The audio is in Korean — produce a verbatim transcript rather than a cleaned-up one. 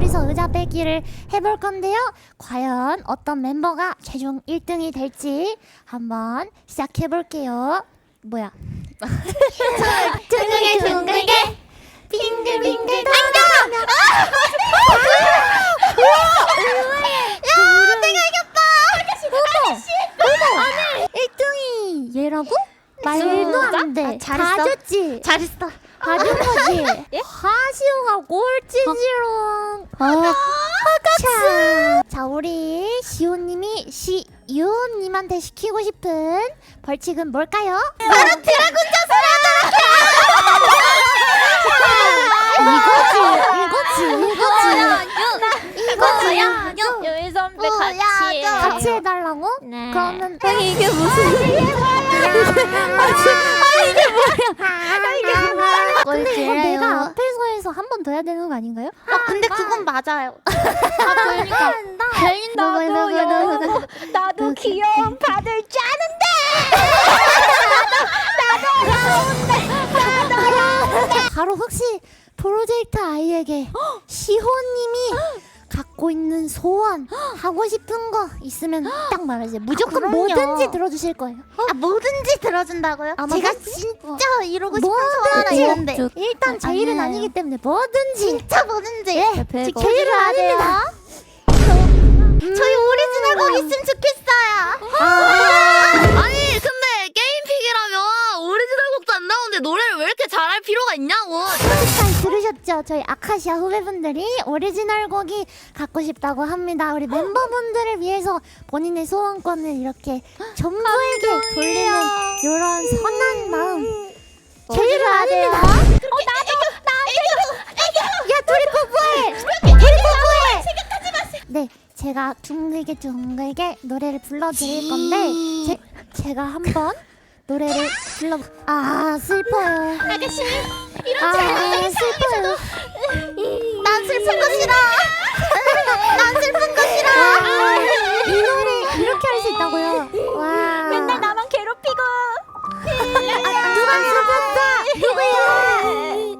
둘이서 의자 빼기를 해볼 건데요. 과연 어떤 멤버가 최종 일 등이 될지 한번 시작해 볼게요. 뭐야? 둥글게 둥글게 빙글빙글 돌아가며 야 내가 이겼다. 아저씨 어머 어머 일 등이 얘라고? 말도 안돼. 잘했어. 잘했어. 봐준 거지. 하시오가 꼴찌지롱. 어. 자, 자 우리 시오님이 시유님한테 시키고 싶은 벌칙은 뭘까요? 바로 드래곤 이거지, 이거지, 이거지, 이거지야. 요이 선배 어, 같이 야, 같이 해달라고? 네. 그러면 아니 이게 무슨 근데 이거 내가 앞에서 해서 한 번 더 해야 되는 거 아닌가요? 아 근데 그건 맞아요. 아 그러니까 나도요. 나도 귀여움 받을 줄 바로 혹시 프로젝트 아이에게 시호님이 갖고 있는 소원 하고 싶은 거 있으면 딱 말하세요. 무조건 그럼요. 뭐든지 들어주실 거예요. 아 뭐든지 들어준다고요? 아마 제가 그- 진짜 이루고 싶은 소원 하나 뭐든지 있는데 일단 제 일은 아니에요. 아니기 때문에 뭐든지 진짜 뭐든지 예, 지켜주셔야 지켜주셔야 돼요. 됩니다. 저희 오리지널 곡 있으면 좋겠어요. 아니 근데 게임픽이라면 오리지널 곡도 안 나오는데 노래를 왜 이렇게 잘할 필요가 있냐고. 잘 들으셨죠? 저희 아카시아 후배분들이 오리지널 곡이 갖고 싶다고 합니다. 우리 멤버분들을 위해서 본인의 소원권을 이렇게 전부에게 돌리는 이런 선한 마음 제일해야 돼요. 어 나도 나도 야 둘이 뽀뽀해. 둘이 뽀뽀해. 네, 제가 둥글게 둥글게 노래를 불러드릴 건데 제, 제가 한번 노래를 불러 아 슬퍼요. 아가씨 아 슬퍼요. 난 슬픈 거 싫어. 난 슬픈 거 싫어. 이 노래 이렇게 할 수 있다고요? 와. 맨날 나만 괴롭히고. 누가 슬펐어? 누구야?